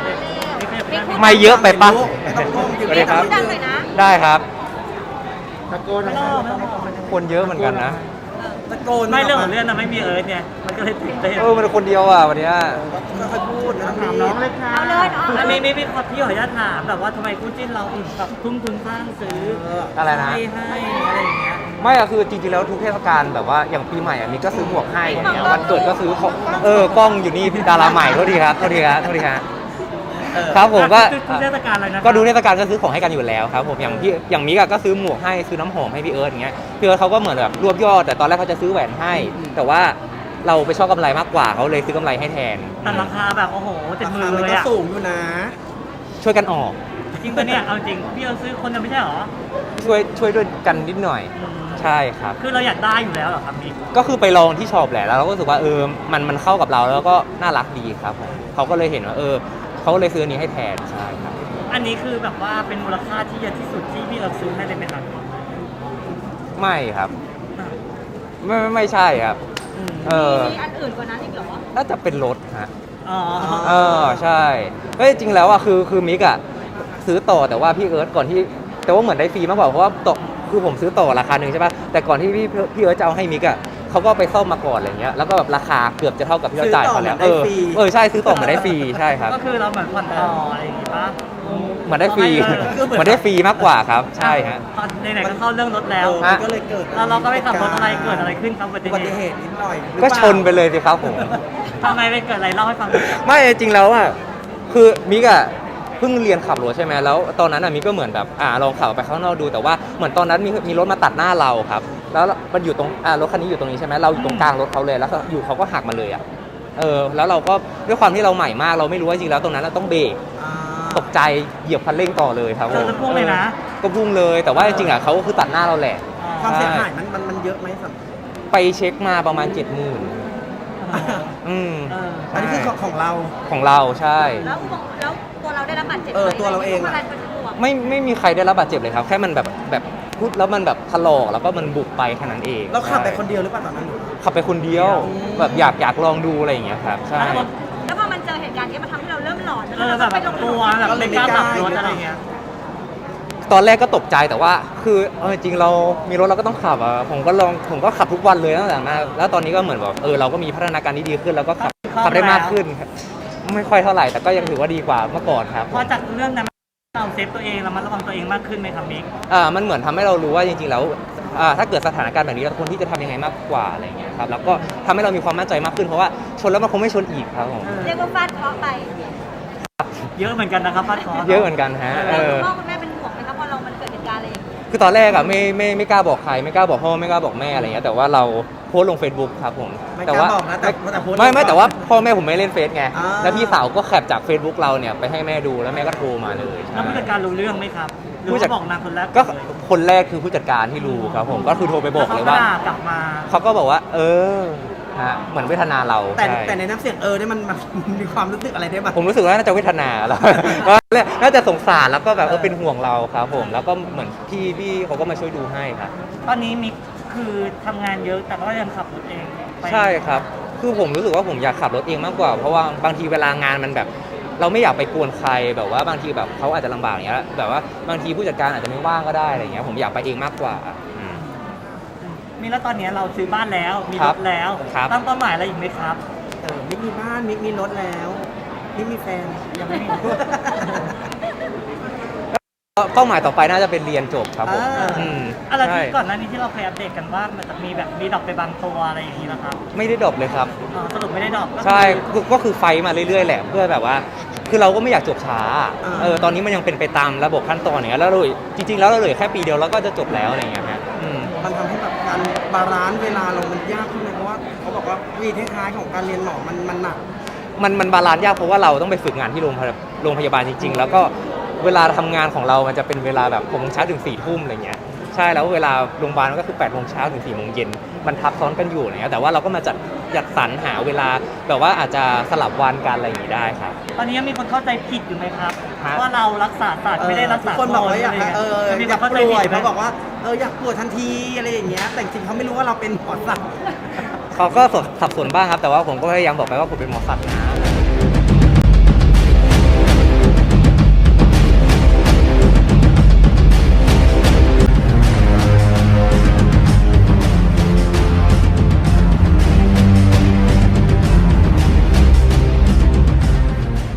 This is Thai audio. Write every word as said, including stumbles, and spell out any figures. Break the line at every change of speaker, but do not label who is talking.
ไม่เยอะไปปะสวัสดีครับ
ดังเลยนะ
ได้ครับ
ตะโกนนะ
คนเยอะเหมือนกันนะ
ตะโกน
ไม่เรื่องของเรื่องนะไม่มีเอิร์ธเนี่ยมันก็เลยตื่นเต้น
เออมันคนเดียวอ่ะวันเนี้ย
ค่อยๆพูดนะถามน้องเลยค่ะ
เอาเลยเนาะ
อันนี้ไม่ไม่ขอพี่ขออนุญาตถามแบบว่าทำไมคู่จิ้นเราถึงแบบทุ่มทุนสร้างซื้อ
อะไรนะ
ให้ให้อะไรอย่างเงี้ย
ไม่อะคือจริงๆแล้วทุกเทศกาลแบบว่าอย่างปีใหม่อะมีก็ซื้อหมวกให้อย่างเงี้ยวันเกิดก็ซื้อของเออกล้องอยู่นี่ดาราใหม่โทษทีครับโทษทีครับโทษทีครับครับผมก็
ทุกเทศกาลอะไรนะ
ก็ดูเทศกาลก็ซื้อของให้กันอยู่แล้วครับผมอย่างพี่อย่างมิกอะก็ซื้อหมวกให้ซื้อน้ำหอมให้พี่เอิร์ธอย่างเงี้ยพี่เอิร์ธเขาก็เหมือนแบบรวบยอดแต่ตอนแรกเขาจะซื้อแหวนให้ แต่ว่าเราไปชอบกำไรมากกว่าเขาเลยซื้อกำไรให้แทน
แต่ราคาแบบโอ้โหเจ็ด
รา
หมื่
คาน มัน
เลย
ก็
อะ
สูงอยู่นะ
ช่วยกันออก
จริงปะเนี่ยเอาจริงพี่เอิร์ธซื้อคนเดียวไม่ใช่หรอ
ช่วยช่วยด้วยกันนิดหน่อย
อืม
ใช่ครับ
คือเราอยากได้อยู่แล้วเหรอครับมิก
ก็คือไปลองที่ช็อปแหละแล้วเราก็รู้สึกว่าเออมันมันเข้ากับเราแล้วก็น่ารักดีครับผมเขาก็เลยเห็นว่าเออเขาก็เลยซื้ออันนี้ให้แทนใช่ครับ
อันนี้คือแบบว่าเป็นมูลค่าที่เยอะที่สุดที่พี่เอิร์ธซื้อให้เลยไหมครับ
ไม่ครับ ไม่ไม่ไม่ใช่ครับ
อืม
เออ
มีอันอื่นกว่านั้นอีกเหรอ
น่าจะเป็นรถฮะ
อ๋อ
เออใช่เฮ้ยจริงแล้วอ่ะคือคือมิกอ่ะซื้อต่อแต่ว่าพี่เอิร์ธก่อนที่แต่ว่าเหมือนได้ฟรีมากกว่าเพราะว่าต่อคือผมซื้อต่อราคาหนึ่งใช่ป่ะแต่ก่อนที่พี่พี่เอิร์ธจะเอาให้มิกอ่ะเขาก็ไปซ่อมมาก่อนอะไรเงี้ยแล้วก็แบบราคาเกือบจะเท่ากับที่เราจ่ายเขาแล้วเออเออใช่ซื้อต่อเหมือนได้ฟรีใช่ครับ
ก็คือเราเหมือนผ่อนต่ออะไรอย่างงี้ปะ
เหมือนได้ฟรีเหมือนได้ฟรีมากกว่าครับใช่ฮะ
ตอนไหนๆก็เข้าเรื่องรถแล้ว
มันก็เลยเกิด
แล้วเราก็ไปขับรถอะไรเกิดอะไรขึ้นครับอุบัติ
อุบัติ
เห
เห
ตุ
ตุนิดหน่อยหรือ
ก็
เปล่า
ชนไปเลยสิครับผม
ทำไมไปเกิดอะไรเล่าให้ฟังหน่อยครับ
ไม่จริงแล้วอ่ะคือมิกอ่ะเพิ่งเรียนขับรถใช่ไหมแล้วตอนนั้นอ่ะมิกก็เหมือนแบบอ่าลองขับไปข้างนอกดูแต่ว่าเหมือนตอนนั้นมีมีรถมาตัดหน้าเราครับแล้วมันอยู่ตรงอ่ารถคันนี้อยู่ตรงนี้ใช่ไหมเราอยู่ตรงกลางรถเขาเลยแล้วก็อยู่เขาก็หักมาเลยอ่ะเออแล้วเราก็ด้วยความที่เราใหม่มากเราไม่รู้ว่าจริงแล้วตรงนั้นเราต้องเบรก
อ่า
ตกใจเหยียบคันเร่งต่อเลยครับ
เราจะพุ่งเลยนะ
ก็พุ่งเลยแต่ว่าจริงๆอ่ะเขาก็คือตัดหน้าเราแหละ
ความเสียหายมันมันมันเยอะไหมสำ
ไปเช็คมาประมาณเจ็ดหมื่นอืม
เออ
อันนี้คือของของเรา
ของเราใช่
แล้วอุบัติแล้วตัวเราได้รับบาดเจ็บไหม
เออตัวเราเอง
อะ
อะ
ไรเป็นห่วง
ไม่ไม่มีใครได้รับบาดเจ็บเลยครับแค่มันแบบแบบพูดแล้วมันแบบถลอกแล้วก็มันบุบไปแค่นั้นเอง
เราขับไป
ใช่
คนเดียวหรือเปล่าตอนนั้น
ขับไปคนเดียวแบบอยากอยากลองดูอะไรอย่างเงี้ยครับใช่
แล้วพอมันเจอเหตุการณ์นี้มันทำให้เราเริ่มหลอน
เออแบบ
ไปลง
กลัวแบบไม่กล้าขับรถอะไรเงี้ย
ตอนแรกก็ตกใจแต่ว่า คือเอาจริงๆเรามีรถเราก็ต้องขับอ่ะผมก็ลองผมก็ขับทุกวันเลยตั้งแต่นั้นแล้วตอนนี้ก็เหมือนแบบเออเราก็มีพัฒนาการที่ดีขึ้นแล้วก็ขับขับได้มากขึ้นครับไม่ค่อยเท่าไหร่แต่ก็ยังถือว่าดีกว่าเมื่อก่อนครับ
พอจากเรื่องนั้นเราเซฟตัวเองเรามาระวังตัวเองมากขึ้นไหมครับมิก
อ่ามันเหมือนทำให้เรารู้ว่าจริงๆแล้วอ่าถ้าเกิดสถานการณ์แบบนี้เราควรที่จะทำยังไงมากกว่าอะไรอย่างเงี้ยครับแล้วก็ทำให้เรามีความมั่นใจมากขึ้นเพราะว่าชนแล้วมันคงไม่ชนอีกครับผม
เรียกว่าฟาดเคราะห์ไป
เยอะเหมือนกันนะครับฟาดคอ
เยอะเหมือนกันฮะเอ
แล้ว
อ
คุณพ่อคุณแม่เป็นห่วงไหมครับพอเรามันเกิดเหตุการณ์อะไรอย่างนี้
คือตอนแรกอะไม่ไม่ไม่กล้าบอกใครไม่กล้าบอกพ่อไม่กล้าบอกแม่อะไรเงี้ยแต่ว่าเราโพสต์ลง Facebook ครับผม
ไม่ก
แต่
ล้า
ว่า
บอกนะแต่แต่โพสต์
ไม่ไม่
ลงก่อน
แต่ว่าพ่อแม่ผมไม่เล่นเฟซไง
อ่า
แล้วพี่สาวก็แคปจาก Facebook เราเนี่ยไปให้แม่ดูแล้วแม่ก็โทรมาเลย
แล้วผู้จัดการรู้เรื่องไหมครับหรือ
ผู้จัด
ว่าบอกนางคนแรก
ก็คนแรกคือผู้จัดการที่รู้ครับผมก็คือโทรไปบอกเลยว่า
แล้ขด่กลับมา
เขาก็บอกว่า เออฮะเหมือนเวทนาเรา
แต่
ใช่
แต่ในน้ำเสียงเออเนี่ยมันมันมีความรู้สึกอะไรได้บ้าง
ผมรู้สึกว่าน่าจะเวทนาแล้ว ว่าน่าจะสงสารแล้วก็แบบเออเป็นห่วงเราครับผมแล้วก็เหมือนพี่พี่เขาก็มาช่วยดูให้ครับ
ตอนนี้มิกคือทำงานเยอะแต่ก็ยังขับรถเองไป
ใช่ครับ คือผมรู้สึกว่าผมอยากขับรถเองมากกว่า เพราะว่าบางทีเวลางานมันแบบ เราไม่อยากไปกวนใครแบบว่าบางทีแบบเขาอาจจะลำบากอย่างเงี้ยแบบว่าบางทีผู้จัดการอาจจะไม่ว่างก็ได้อะไรเงี้ยผมอยากไปเองมากกว่าอืม
มีแล้วตอนนี้เราซื้อบ้านแล้วมี
ค
ร
รับ
ถแล้ว
ครับ
ตั้งเป้าหมายอะไรอีกไหมครับ
เออมิกมีบ้านมิกมีรถแล้วมิกมีแฟน
ยังไม่มี
เป้าหมายต่อไปน่าจะเป็นเรียนจบครับผม
อ่า
อืม
อะไร
ใช่
ที่ก่อนหน้านี้ที่เราเคยอัปเดตกันว่ามันจะมีแบบมีดรอปไปบางตัวอะไรอย่างนี้นะครับ
ไม่ได้ดรอปเลยครับ
อ๋อสรุปไม่ได้ดรอปก็คือ
ใช่คือก็คือไฟมาเรื่อยๆแหละเพื่อแบบว่า คือเราก็ไม่อยากจบช้า
อ่า
เออตอนนี้มันยังเป็นไปตามระบบขั้นตอนอย่างเงี้ยแล้วเราจริงๆแล้วเราเหลือแค่ปีเดียวแล้วก็จะจบแล้วอะไรเงี้ยฮะอืม
มันทำให้แบบการบาลานซ์เวลาเรามันยากขึ้นไหมเพราะว่าเขาบอกว่าวีท้ายๆของการเรียนหมอมันมันหนัก
มันมันบาลานซ์ยากเพราะว่าเราต้องไปฝึกงานที่โรงพยาบาลโรงพยาบาลจริง ๆ แล้วก็เวลาทำงานของเรามันจะเป็นเวลาแบบหกโมงเช้าถึงสี่ทุ่มอะไรเงี้ยใช่แล้วเวลาโรงพยาบาลก็คือแปดโมงเช้าถึงสี่โมงเย็นมันทับซ้อนกันอยู่อะไรเงี้ยแต่ว่าเราก็มาจัดจัดสรรหาเวลาแบบว่าอาจจะสลับวันกันอะไรอย่างงี้ได้ครับ
ตอนนี้ยังมีคนเข้าใจผิดอยู่ไหมครับ
ฮะ
ว่าเรารักษาศาสตร์ไม่ได้รักษา
ทุกคนบอกว่าอยาก
ะไร
เออ
จะมี
อ
ค
ยาน ก
เข้าใจ
ป่วย
ผิดไหม
เขาบอกว่าเอออยากป่วยทันทีอะไรอย่างเงี้ยแต่จริงๆเขาไม่รู้ว่าเราเป็นหมอสัตว์
เขาก็สับสนบ้างครับแต่ว่าผมก็พยายามบอกไปว่าผมเป็นหมอสัตว์นะ